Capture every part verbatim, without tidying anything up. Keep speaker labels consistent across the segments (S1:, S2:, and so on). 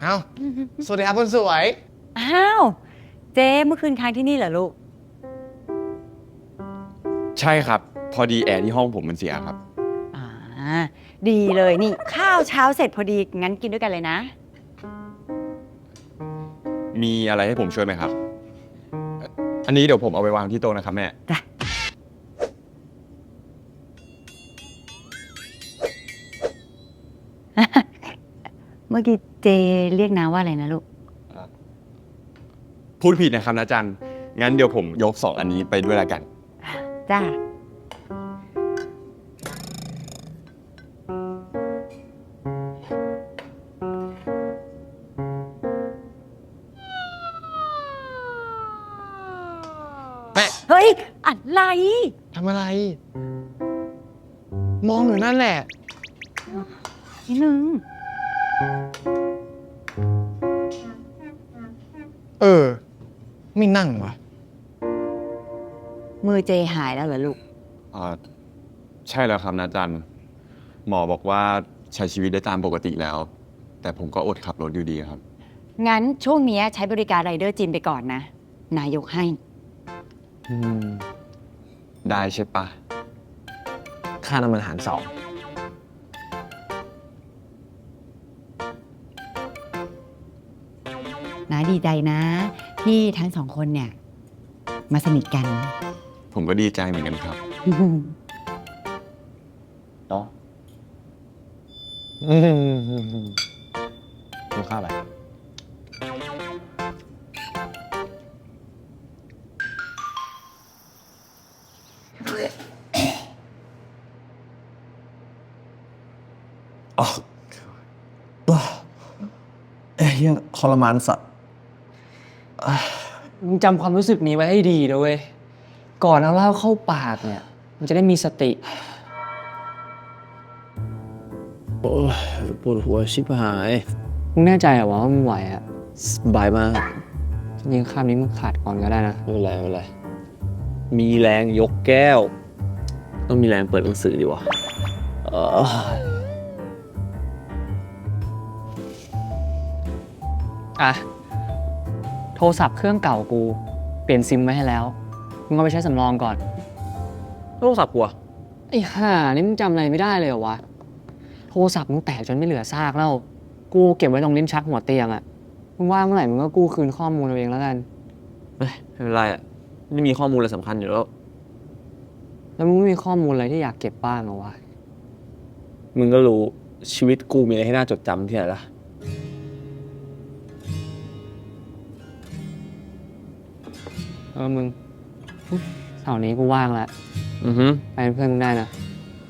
S1: อ้าวสวัสดีครับคนสวย
S2: อ้าวเจ๊เมื่อคืนค้างที่นี่เหรอลูก
S3: ใช่ครับพอดีแอร์ที่ห้องผมมันเสียครับ
S2: อ่าดีเลยนี่ข้าวเช้าเสร็จพอดีงั้นกินด้วยกันเลยนะ
S3: มีอะไรให้ผมช่วยไหมครับ อันนี้เดี๋ยวผมเอาไปวางที่โต๊ะนะครับแม่
S2: เมื่อกี้เจเรียกน้าว่าอะไรนะลูก
S3: พูดผิดนะครับนะจันงั้นเดี๋ยวผมยกสองอันนี้ไปด้วยละกัน
S2: จ้า
S1: แปะ
S2: เฮ้ยอะไร
S1: ทำอะไร มองอยู่นั่นแหละ
S2: นิดนึง
S1: เออ ไม่นั่งวะ
S2: มือเจหายแล้วเหรอลูก
S3: อ่าใช่แล้วครับนะจันหมอบอกว่าใช้ชีวิตได้ตามปกติแล้ว แต่ผมก็อดขับรถอยู่ดีครับ
S2: งั้นช่วงนี้ใช้บริการไรเดอร์จินไปก่อนนะนายกให้
S3: ได้ใช่ปะ
S1: ค่าน้ำมันหารสอง
S2: นาดีใจนะที่ทั้งสองคนเนี่ยมาสนิทกัน
S3: ผมก็ดีใจเหมือนกันครับเนาะ
S1: กินข้าวอะไร
S4: อ๋อเอ้ยยังทรมานสัตว์
S5: มึงจำความรู้สึกนี้ไว้ให้ดีนะเว้ย ก่อนเอาเหล้าเข้าปากเนี่ย มันจะได้มีสติ
S4: โอ้ยปวดหัวชิบหาย
S5: มึงแน่ใจเหรอว่ามึงไหวอ่ะ
S4: สบายมาก
S5: จริงๆคำนี้มึงขาดก่อนก็ได้นะ
S4: ไม่เป็นไรไม่เป็นไรมีแรงยกแก้ว ต้องมีแรงเปิดหนังสือดีวะเออ
S5: อ่ะ โทรศัพท์เครื่องเก่ากู เปลี่ยนซิมไว้ให้แล้ว มึงเอาไปใช้สำรองก่อน
S4: โทรศัพท์กูอะ
S5: ไอ้ห่านี่มึงจำอะไรไม่ได้เลยเหรอวะ โทรศัพท์มึงแตกจนไม่เหลือซากแล้ว กูเก็บไว้ตรงลิ้นชักหัวเตียงอะมึงว่าเมื่อไหร่มึงก็กู้คืนข้อมูลเอาเองแล้วกัน
S4: เฮ้ยไม่เป็นไรอะไม่มีข้อมูลอะไรสำคัญอยู่แล้ว
S5: แล้วมึงไม่มีข้อมูลอะไรที่อยากเก็บบ้างเหรอวะ
S4: มึงก็รู้ชีวิตกูมีอะไรให้น่าจดจำที่ไหนล่ะ
S5: เออมึงเสาร์นี้กูว่างแล้ว
S4: อือฮึ
S5: ไปเป็นเพื่อนมึงได้นะ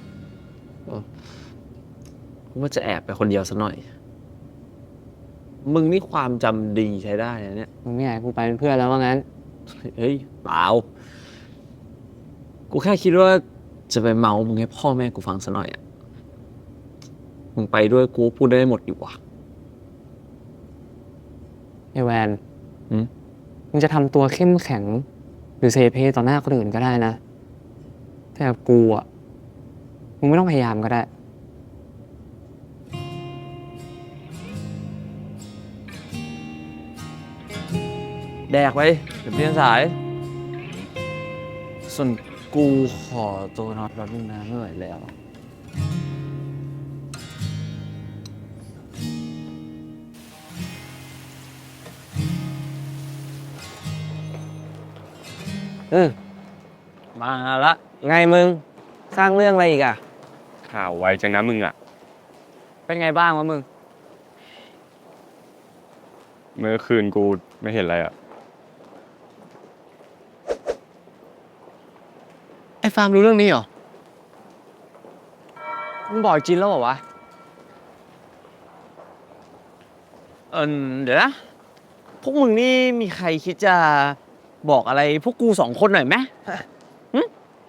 S4: กูว่าจะแอบไปคนเดียวซะหน่อย มึงนี่ความจำดีใช้ได้นะเนี่ย
S5: มึงไม่อยากให้กูไปเป็นเพื่อนแล้วว่างั้น
S4: เฮ้ยเปล่า กูแค่คิดว่าจะไปเมามึงให้พ่อแม่กูฟังซะหน่อยอ่ะ มึงไปด้วยกูพูดได้หมดอยู่ว่ะ
S5: ไอแวน
S4: หืม
S5: มึงจะทำตัวเข้มแข็ง หรือเซเพต่อหน้าคนอื่นก็ได้นะ แต่กับกูอ่ะ มึงไม่ต้องพยายามก็ได้
S4: แดกไปเดี๋ยวเรียนสาย ส่วนกูขอตัวนอนแป๊บนึงนะไม่ไหวแล้ว
S5: เออ
S4: มาละไงมึง สร้างเรื่องอะไรอีกอ่ะ
S3: ข่าวไวจังนะมึงอ่ะ
S5: เป็นไงบ้างวะมึง
S3: เมื่อคืนกูไม่เห็นอะไรอ่ะ
S1: ไอ้ฟาร์มรู้เรื่องนี้เหรอ
S5: มึงบอกจินแล้วเหรอวะ
S4: เออเดี๋ยวนะ พวกมึงนี่มีใครคิดจะบอกอะไรพวกกูสองคนหน่อยไหมหึ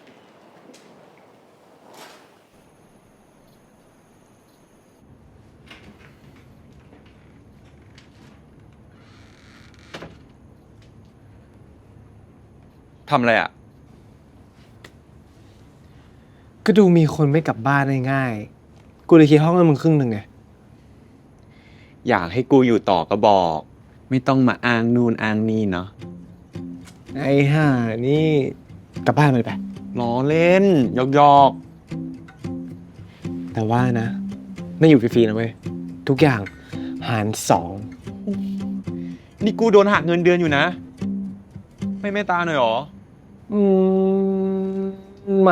S3: ทำอะไรอ่ะ
S1: ก็ดูมีคนไม่กลับบ้านง่ายๆกูเลยคิดห้องให้มึงครึ่งหนึ่งไง
S3: อยากให้กูอยู่ต่อก็บอก ไม่ต้องมาอ้างนู่นอ้างนี่เนาะ
S1: ไอ้ห่านี่กลับบ้านไปไป
S3: ล้อเล่นหยอกหยอก
S1: แต่ว่านะ ไม่อยู่ฟรีๆนะเว้ย ทุกอย่างหารสอง
S3: ๆนี่กูโดนหักเงินเดือนอยู่นะ ไม่เมตตาหน่อยหรอ
S1: อืม ไม่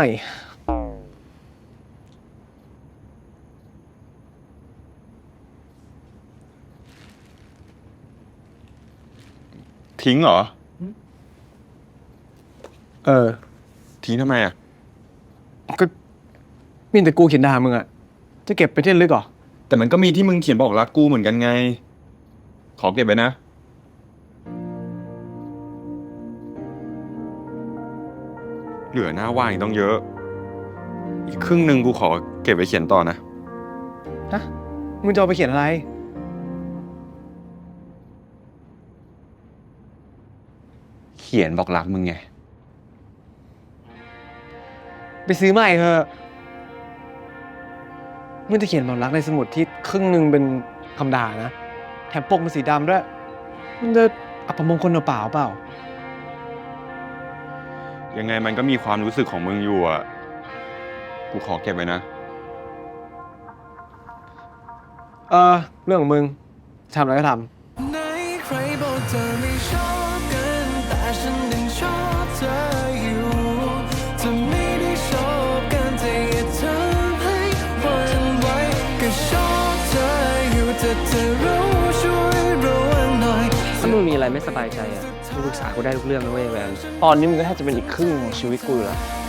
S3: ทิ้งเหรอ
S1: เออ
S3: ทิ้งทำไมอ่ะ
S1: ก็มีแต่กูเขียนด่ามึงอะจะเก็บไปที่ระลึกเหรอ
S3: แต่มันก็มีที่มึงเขียนบอกรักกูเหมือนกันไง ขอเก็บไว้นะ เหลือหน้าว่างอีกต้องเยอะ อีกครึ่งหนึ่งกูขอเก็บไว้เขียนต่อนะ
S1: ฮะ มึงจะเอาไปเขียนอะไร
S3: เขียนบอกรักมึงไง
S1: ไปซื้อใหม่เถอะมึงจะเขียนบอกรักในสมุดที่ครึ่งหนึ่งเป็นคำด่านะ แถมปกมันสีดำด้วย มันจะอัปมงคลเปล่าๆเปล่า
S3: ยังไงมันก็มีความรู้สึกของมึงอยู่อ่ะ กูขอเก็บไว้นะ
S1: เออ เรื่องของมึงทำอะไรก็ทำ
S6: ไหนใครบอกเธอไม่ชอบกันแต่ฉันยังชอบเธออยู่จะไม่ได้ชอบกันแต่อย่าทำให้หวั่นไหวก็ชอบเธออยู่แต่เธอรู้ช่วยระวังหน่อย
S7: ถ้ามึงมีอะไรไม่สบายใจอ่ะมึงปรึกษากูได้ทุกเรื่องนะเว้ยแวน ตอนนี้มึงก็แทบจะเป็นอีกครึ่งของชีวิตกูอยู่แล้ว